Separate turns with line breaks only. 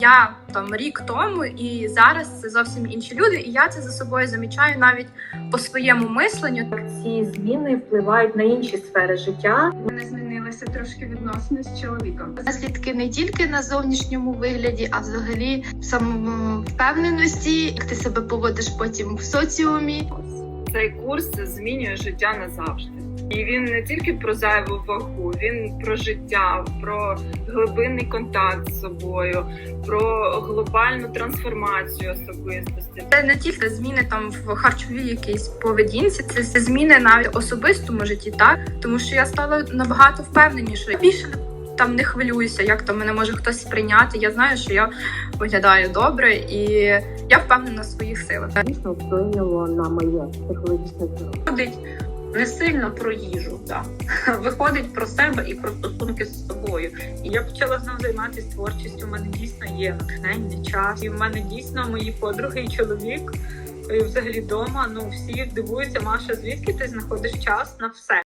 Я там рік тому і зараз це зовсім інші люди, і я це за собою замічаю навіть по своєму мисленню.
Ці зміни впливають на інші сфери життя.
У мене змінилися трошки відносини з чоловіком.
Наслідки не тільки на зовнішньому вигляді, а взагалі в самовпевненості, як ти себе поводиш потім в соціумі.
Цей курс змінює життя назавжди. І він не тільки про зайву вагу, він про життя, про глибинний контакт з собою, про глобальну трансформацію особистості.
Це не тільки зміни там в харчовій якійсь поведінці, це зміни навіть в особистому житті, так? Тому що я стала набагато впевненішою. Більше там не хвилююся, як там мене може хтось сприйняти. Я знаю, що я виглядаю добре і я впевнена в своїх силах.
Дійсно вплинуло на моє психологічне здоров'я.
Виходить не сильно про їжу, так. Виходить про себе і про стосунки з собою. І я почала знову займатися творчістю. У мене дійсно є натхнення, час. І в мене дійсно мої подруги і чоловік, і взагалі вдома, всі дивуються: Маша, звідки ти знаходиш час на все?